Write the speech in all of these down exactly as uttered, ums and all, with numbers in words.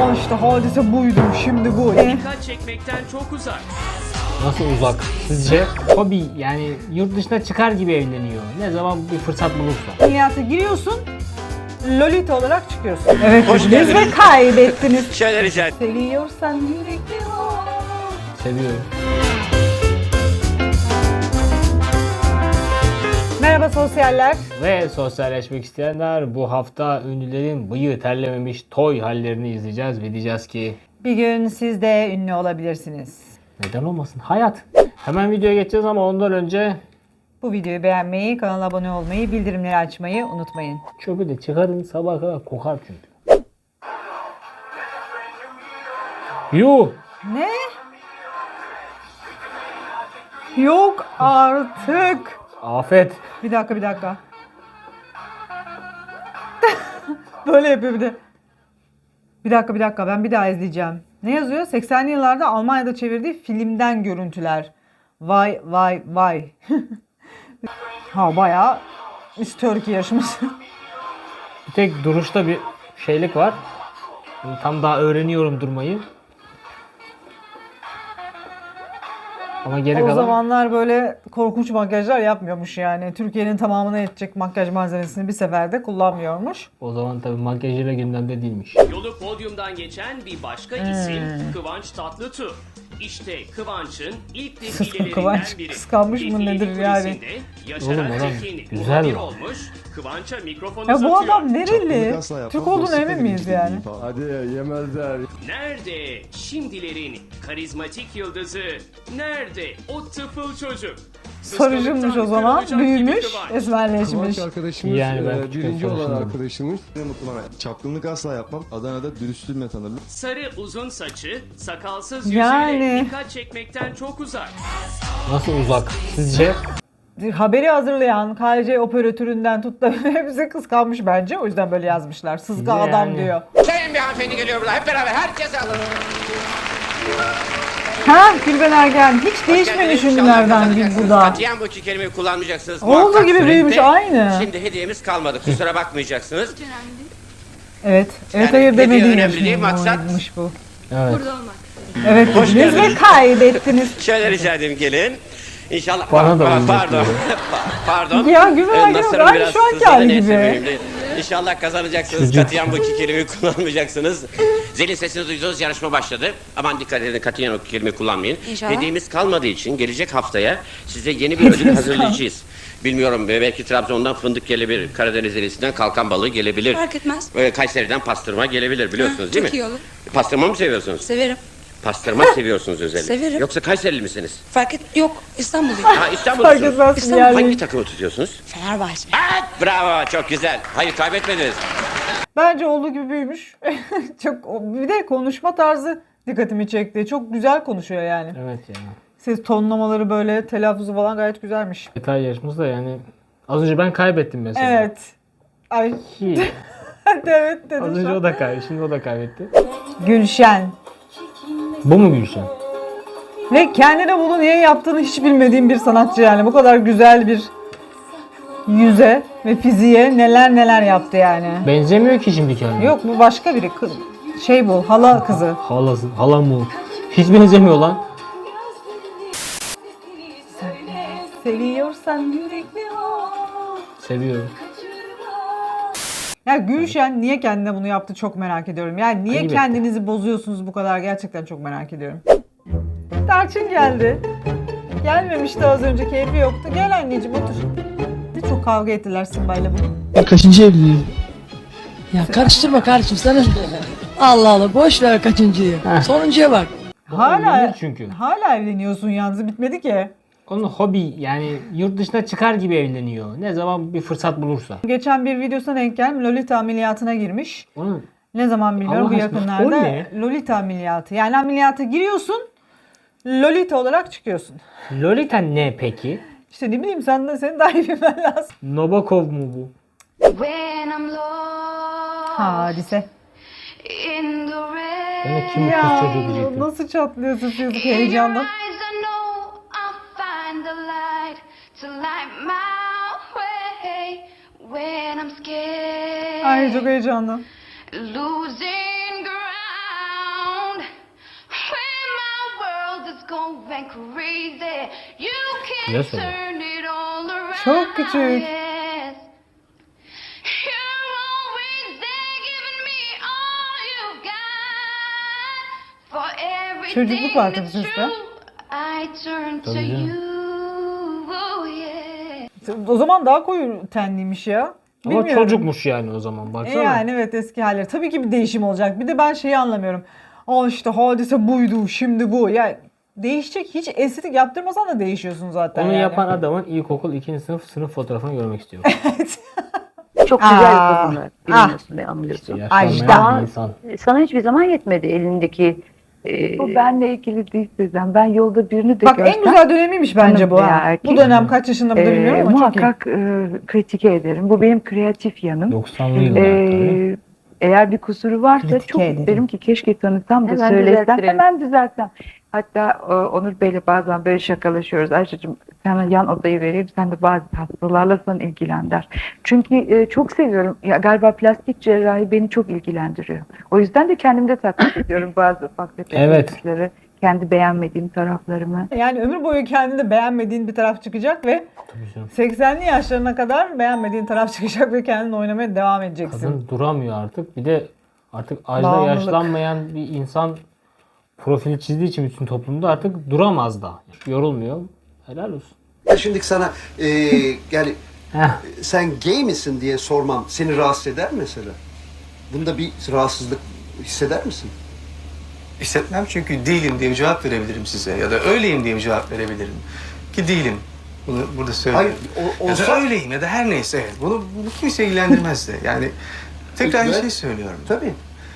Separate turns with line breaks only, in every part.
Al işte hadise buydu, şimdi bu.
Dikkat çekmekten çok uzak.
Nasıl uzak? Sizce? Hobi yani yurt dışına çıkar gibi evleniyor. Ne zaman bir fırsat bulursa.
Ameliyata giriyorsun, Lolita olarak çıkıyorsun. Evet, biz ve kaybettiniz.
Şöyle rica ederim.
Seviyorsan yürekli ol.
Seviyorum.
Merhaba sosyaller.
Ve sosyalleşmek isteyenler, bu hafta ünlülerin bıyığı terlememiş toy hallerini izleyeceğiz ve diyeceğiz ki
Bir gün siz de ünlü olabilirsiniz.
neden olmasın? Hayat. Hemen videoya geçeceğiz ama ondan önce
Bu videoyu beğenmeyi, kanala abone olmayı, bildirimleri açmayı unutmayın.
çöpü de çıkarın, sabaha kadar kokar çünkü. Yuh!
Ne? Yok artık.
Afet.
Bir dakika bir dakika. Böyle yapıyor bir de. Bir dakika bir dakika ben bir daha izleyeceğim. Ne yazıyor? seksenli yıllarda Almanya'da çevirdiği filmden görüntüler. Vay vay vay. Ha bayağı Miss Turkey yarışması.
Bir tek duruşta bir şeylik var. Tam daha öğreniyorum durmayı. Ama geri
O
kalan...
zamanlar böyle korkunç makyajlar yapmıyormuş yani. Türkiye'nin tamamına yetecek makyaj malzemesini bir seferde kullanmıyormuş.
O zaman tabii makyajıyla gündemde değilmiş.
Yolu podyumdan geçen bir başka isim Kıvanç Tatlıtuğ. İşte Kıvanç'ın ilk defilelerinden
Kıvanç
biri.
kıskanmış mı
Defile
nedir yani?
kulisinde Yaşar
Oğlum adam
Tekin
güzel
muhabir
lan.
olmuş. Kıvanç'a mikrofonu
Ya bu
uzatıyor.
adam nereli? Türk olduğunu emin miyiz yani?
Hadi yemezler.
Nerede şimdilerin karizmatik yıldızı? Nerede o tıfıl çocuk?
Sarıcınmış o zaman.
Kıskançlıktan
Büyümüş,
kırılacak gibi Kıvanç.
esmerleşmiş.
Kıvanç arkadaşımız,
Yani ben
e,
küçükken
birinci olan
çalıştım.
arkadaşımız. Ne mutlu bana. Çapkınlık asla yapmam. Adana'da dürüstlüğümle tanırım.
Sarı uzun saçı, sakalsız
Yani.
yüzüyle dikkat çekmekten çok uzak.
Nasıl uzak? Sizce?
Haberi hazırlayan K C operatöründen tut da hepsi kıskanmış bence. O yüzden böyle yazmışlar. Sızga
Yani.
adam diyor.
Sayın bir hanımefendi geliyor burada. Hep beraber herkes alın.
Ha Gülben Ergen hiç değişmemiş ünlülerden bir bu da.
Katiyen bu iki kelimeyi kullanmayacaksınız.
Olduğu
Muhakkak
gibi büyümüş
surette.
aynı.
Şimdi hediyemiz kalmadı. Kusura bakmayacaksınız.
Evet. Evet
Yani
hayır
hediye
demediğim
önemli değil, maksat-
bu.
Evet.
Evet
Hoş
dediniz ve
geldiniz.
kaybettiniz.
Şöyle rica edeyim gelin. İnşallah.
Bana da
Pa-
bunu
Pardon.
yapıyor.
Pa- Pardon.
Ya Gülben
Ee,
Ergen
Nasır'ın
aynı
biraz
şu anki
sızladı,
hali
neyse,
gibi.
mühim değil. İnşallah kazanacaksınız.
Çocuk.
Katiyen bu iki kelimeyi kullanmayacaksınız. Zilin sesini duydunuz, yarışma başladı. Aman dikkat edin, katiyen o kelimeyi kullanmayın.
İnşallah.
Hediyemiz kalmadığı için gelecek haftaya size yeni bir ödül hazırlayacağız. Bilmiyorum, belki Trabzon'dan fındık gelebilir, Karadeniz delisinden kalkan balığı gelebilir.
Fark etmez.
Ee, Kayseri'den pastırma gelebilir, biliyorsunuz
Ha,
değil mi?
çok iyi olur.
Pastırma mı seviyorsunuz?
Severim.
Pastırma seviyorsunuz özellikle.
Severim.
Yoksa Kayserili misiniz?
Fark et. Yok. İstanbulluyum.
Ha, İstanbul'da
Fark etmez
İstanbul.
yani.
Hangi takımı tutuyorsunuz?
Fenerbahçe.
Evet, bravo, çok güzel. Hayır, kaybetmediniz.
Bence olduğu gibi büyümüş. Çok bir de konuşma tarzı dikkatimi çekti. Çok güzel konuşuyor yani.
Evet ya.
Ses tonlamaları böyle telaffuzu falan gayet güzelmiş.
Detay yarışması da yani az önce ben kaybettim mesela.
Evet. Ay
Ki
evet dedim.
az
şu
önce
an.
o da kaybetti. Şimdi o da kaybetti.
Gülşen.
Bu mu Gülşen?
Ve kendine bunu niye yaptığını hiç bilmediğim bir sanatçı yani. Bu kadar güzel bir yüze ve fiziğe neler neler yaptı yani.
Benzemiyor ki şimdi kendine.
Yok bu başka biri. Kız- Şey bu hala kızı.
Halası, hala mı? Hiç benzemiyor lan.
Seviyorsan yürekli ol.
Seviyorum.
Ya Gülşen niye kendine bunu yaptı çok merak ediyorum. Yani niye
Elbette.
kendinizi bozuyorsunuz bu kadar gerçekten çok merak ediyorum. Tarçın geldi. Gelmemişti az önce keyfi yoktu. Gel anneciğim otur. Ne çok kavga ettiler Simba'yla bugün.
Kaçıncı evliliğim? Ya karıştırma kardeşim sana. Allah Allah boş ver kaçıncıyı. Sonuncuya bak.
Hala
evlenir çünkü.
Hala evleniyorsun yalnız bitmedi ki.
Onun hobi yani yurt dışına çıkar gibi evleniyor. Ne zaman bir fırsat bulursa.
Geçen bir videosuna denk geldim. Lolita ameliyatına girmiş.
Onun
Ne zaman bilmiyorum
Allah
bu
aşkına,
yakınlarda.
o ne?
Lolita ameliyatı. Yani ameliyata giriyorsun. Lolita olarak çıkıyorsun.
Lolita ne peki?
İşte ne bileyim sen de senin daha iyi bilmen lazım.
Nabokov mu bu?
When I'm lost
Hadise.
in the rain,
Ben de kim bu kız çocuğu
Ya
diyecektim.
nasıl çatlıyorsun çocuk
in your
heyecandan.
eyes I know I'll find the light to light my way. When I'm scared,
Ay çok heyecanlı.
losing ground. and crazy. You
Güzel
can
söylüyor.
turn it all around.
Çok küçük.
Yes. You're always there giving me all you got. For everything
Çocukluk var tabii
that's
seste.
true, I turn to
Tabii canım.
you. Oh yeah.
O zaman daha koyu tenliymiş ya.
Ama
Bilmiyorum.
çocukmuş yani o zaman
E
baksana.
yani evet, eski halleri. Tabii ki bir değişim olacak. Bir de ben şeyi anlamıyorum. Aa işte Hadise buydu, şimdi bu. Ya değişecek, hiç estetik yaptırmasan da değişiyorsun zaten.
Onu
yani.
yapan adamın ilkokul ikinci sınıf sınıf fotoğrafını görmek istiyorum.
Çok güzel
Aa,
kadınlar. Bilmiyorsun ve anlıyorsun.
Yaşlanmayan
Ajda.
bir insan.
Sana hiçbir zaman yetmedi elindeki e,
Bu benle ilgili değil Sezen. Ben yolda birini de
Bak
görsem
en güzel dönemiymiş bence bu.
hanım veya
Ha.
erkek,
Bu dönem kaç yaşında bu da
e,
bilmiyorum ama çok iyi.
muhakkak e, kritike ederim. Bu benim kreatif yanım.
doksanlı yıllar tabii.
E, eğer bir kusuru varsa
Kritike
çok
ederim.
isterim ki keşke tanısam da
Hemen
söylesem.
düzelttirelim.
Hemen düzeltsem. Hatta e, Onur Bey'le bazen böyle şakalaşıyoruz. Ayşe'cim sana yan odayı vereyim. Sen de bazı hastalarla sana ilgilen der. Çünkü e, çok seviyorum. Ya, galiba plastik cerrahi beni çok ilgilendiriyor. O yüzden de kendimde taklit ediyorum bazı ufak tefek
Evet.
işleri. Kendi beğenmediğim taraflarımı.
Yani ömür boyu kendinde beğenmediğin bir taraf çıkacak ve
Tabii canım.
seksenli yaşlarına kadar beğenmediğin taraf çıkacak ve kendin oynamaya devam edeceksin.
Kadın duramıyor artık. Bir de artık Ajda
Bağımlılık.
yaşlanmayan bir insan profili çizdiği için bütün toplumda artık duramaz da. Yorulmuyor. Helal olsun.
Şimdi sana e, yani
Heh.
sen gay misin diye sormam seni rahatsız eder mi mesela? Bunda bir rahatsızlık hisseder misin?
Hissetmem çünkü değilim diye bir cevap verebilirim size. Ya da öyleyim diye bir cevap verebilirim. Ki değilim. Bunu burada söyleyeyim.
Hayır, o-
Ya
olsa-
da öyleyim ya da her neyse. Evet. Bunu, bunu kimse ilgilendirmez de. Yani tekrar bir
Peki,
şey söylüyorum.
Tabii.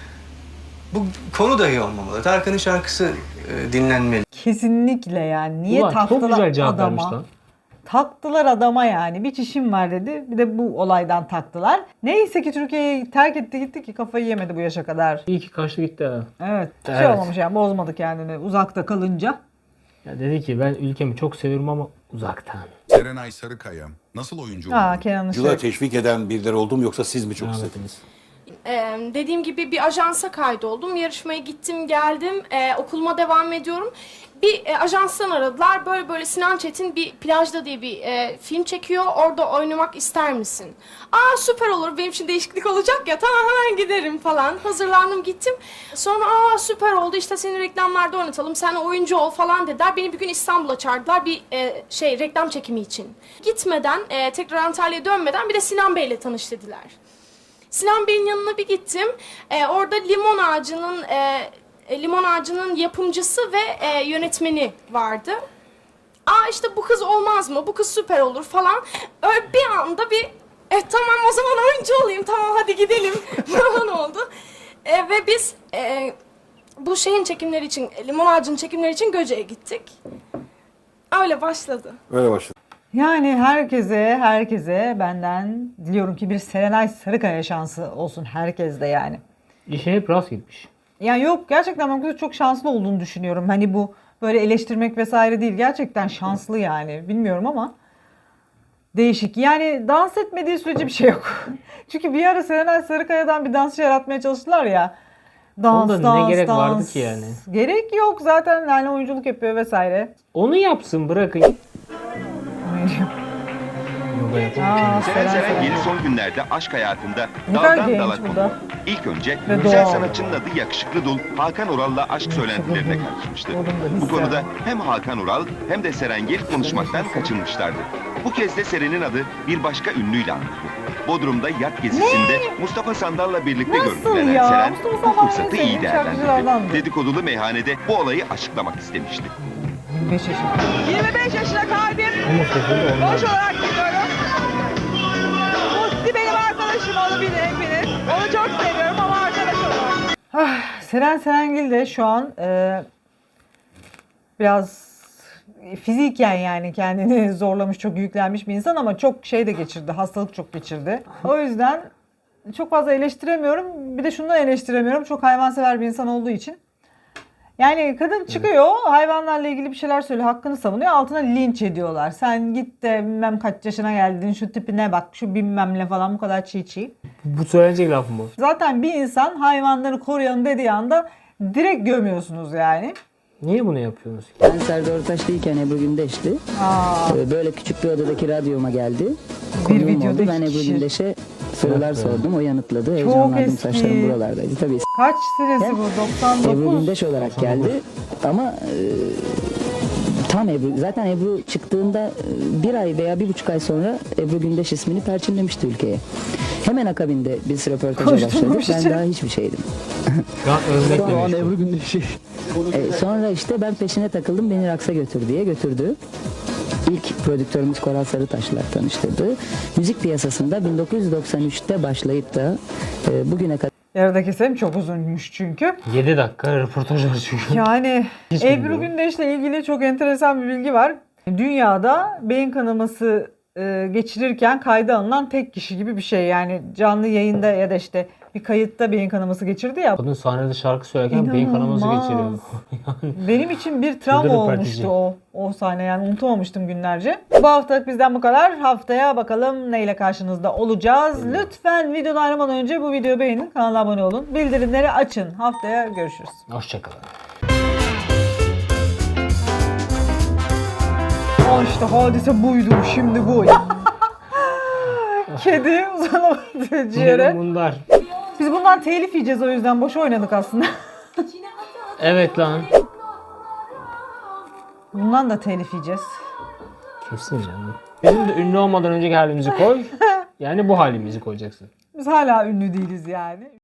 Bu konu dahi olmamalı. Tarkan'ın şarkısı e, dinlenmeli.
Kesinlikle yani. Niye
Ulan çok
taktılar
güzel cevap vermiş
adama?
lan.
Taktılar adama yani. Bir çişim var dedi. Bir de bu olaydan taktılar. Neyse ki Türkiye'yi terk etti gitti ki kafayı yemedi bu yaşa kadar.
İyi ki kaçtı gitti ha.
Evet. Şey
Evet.
olmamış yani, bozmadı kendini uzakta kalınca.
Ya dedi ki ben ülkemi çok seviyorum ama uzaktan.
Serenay Sarıkaya nasıl oyuncu oldu?
Aa Kenan
Yıla
Işık.
teşvik eden birileri oldu mu yoksa siz mi çok istediniz?
Rahmetiniz.
Ee, dediğim gibi bir ajansa kaydoldum. Yarışmaya gittim, geldim. Ee, okuluma devam ediyorum. Bir e, ajanstan aradılar. Böyle böyle Sinan Çetin bir Plajda diye bir e, film çekiyor. Orada oynamak ister misin? Aa süper olur. Benim için değişiklik olacak ya. Tamam hemen giderim falan. Hazırlandım gittim. Sonra aa süper oldu. İşte seni reklamlarda oynatalım. Sen oyuncu ol falan dediler. Beni bir gün İstanbul'a çağırdılar bir e, şey reklam çekimi için. Gitmeden e, tekrar Antalya'ya dönmeden bir de Sinan Bey'le tanış dediler. Sinan Bey'in yanına bir gittim. Ee, orada limon ağacının e, limon ağacının yapımcısı ve e, yönetmeni vardı. Aa işte bu kız olmaz mı? Bu kız süper olur falan. Öyle bir anda bir e, tamam o zaman oyuncu olayım. Tamam hadi gidelim falan oldu. E, ve biz e, bu şeyin çekimleri için, limon ağacının çekimleri için Göce'ye gittik. Öyle başladı.
Öyle başladı.
Yani herkese herkese benden diliyorum ki bir Serenay Sarıkaya şansı olsun herkeste yani.
İşe hep rast gitmiş.
Yani yok, gerçekten ben bu kızın çok şanslı olduğunu düşünüyorum. Hani bu böyle eleştirmek vesaire değil. Gerçekten şanslı yani. Bilmiyorum ama değişik. Yani dans etmediği sürece bir şey yok. Çünkü bir ara Serenay Sarıkaya'dan bir dansçı yaratmaya çalıştılar ya. Dans,
Onda ne
dans,
gerek
dans.
vardı ki yani?
Gerek yok zaten, yani oyunculuk yapıyor vesaire.
Onu yapsın bırakın. Yoga yapalım.
Aa,
Seren
Seren
Seren
Seren.
yeni son günlerde aşk hayatında
Ne kadar
daldan
genç
dala
bu
kondu.
da.
İlk önce
Ve
güzel
doğal.
sanatçının adı Yakışıklı Dul Hakan Ural'la aşk söylentilerine karışmıştı.
Oğlum da
Bu
hisse.
konuda hem Hakan Ural hem de Serengil konuşmaktan kaçınmışlardı. Bu kez de Seren'in adı bir başka ünlüyle anıldı. Bodrum'da yat gezisinde Mustafa Sandal'la birlikte
Nasıl
görüntülenen
ya?
Seren
Mustafa
bu
Sandal
fırsatı
en
iyi
sevdiğim şarkıcılardandı.
değerlendirdi. Dedikodulu meyhanede bu olayı açıklamak istemişti.
yirmi beş yaşında.
yirmi beş yaşına kalbim.
Ama sesini de
Boş olarak gidiyorum. Musti benim arkadaşım, onu bilir hepiniz. Onu çok seviyorum ama arkadaş olarak.
Ah, Seren Serengil de şu an e, biraz fiziken yani kendini zorlamış, çok yüklenmiş bir insan ama çok şey de geçirdi, hastalık çok geçirdi. O yüzden çok fazla eleştiremiyorum. Bir de şunu da eleştiremiyorum, çok hayvansever bir insan olduğu için. Yani kadın çıkıyor, hayvanlarla ilgili bir şeyler söylüyor, hakkını savunuyor, altına linç ediyorlar. Sen git de bilmem kaç yaşına geldin, şu tipine bak, şu bilmem ne falan, bu kadar çiğ çiğ.
Bu söylenecek laf mı?
Zaten bir insan hayvanları koruyalım dediği anda direkt gömüyorsunuz yani.
Niye bunu yapıyorsunuz?
Ben Serdar Ortaç'tayken Ebru Gündeş'ti. Ee, Böyle küçük bir odadaki radyoma geldi.
Bir
Konuğum
videoda
oldu. Ben
iki
Ebru
kişi.
Gündeş'e sorular sordum. O yanıtladı.
Çok
Heyecanlandım.
eski.
Saçlarım buralardaydı. Tabii
Kaç senesi bu? doksan
Ebru
dokuz.
Gündeş olarak geldi. Ama e, tam Ebru. Zaten Ebru çıktığında e, bir ay veya bir buçuk ay sonra Ebru Gündeş ismini perçinlemişti ülkeye. Hemen akabinde biz röportaja başladık.
Koşturmuş
Ben
için.
daha hiçbir şeydim.
Şu an övmekle
Sonra
meşgul.
Ebru Gündeş'i. E, sonra işte ben peşine takıldım. Beni Raks'a götür diye götürdü. İlk prodüktörümüz Koral Sarıtaş'la tanıştırdı. Müzik piyasasında bin dokuz yüz doksan üçte başlayıp da e, bugüne kadar
Yarıda keselim, çok uzunmuş çünkü.
yedi dakika röportaj var çünkü.
Yani
Hiç
Ebru
bilmiyorum.
Gündeş'le ilgili çok enteresan bir bilgi var. Dünyada beyin kanaması e, geçirirken kayda alınan tek kişi gibi bir şey. Yani canlı yayında ya da işte bir kayıtta beyin kanaması geçirdi ya.
Kadın sahnede şarkı söylerken beyin kanaması
İnanılmaz.
geçiriyor.
Benim için bir travma
Şurada
olmuştu
röportajı.
o o sahne, yani unutamamıştım günlerce. Bu haftalık bizden bu kadar. Haftaya bakalım neyle karşınızda olacağız. Lütfen videodan ayrılmadan önce bu videoyu beğenin, kanala abone olun, bildirimleri açın. Haftaya görüşürüz.
Hoşçakalın.
Aa işte hadise buydu, şimdi bu. Kedi uzanamadı ciğere.
Bunlar.
Biz bundan telif yiyeceğiz, o yüzden boş oynadık aslında.
Evet lan.
Bundan da telif yiyeceğiz.
Kesin canım. Bizim de ünlü olmadan önceki halimizi koy. Yani bu halimizi koyacaksın.
Biz hala ünlü değiliz yani.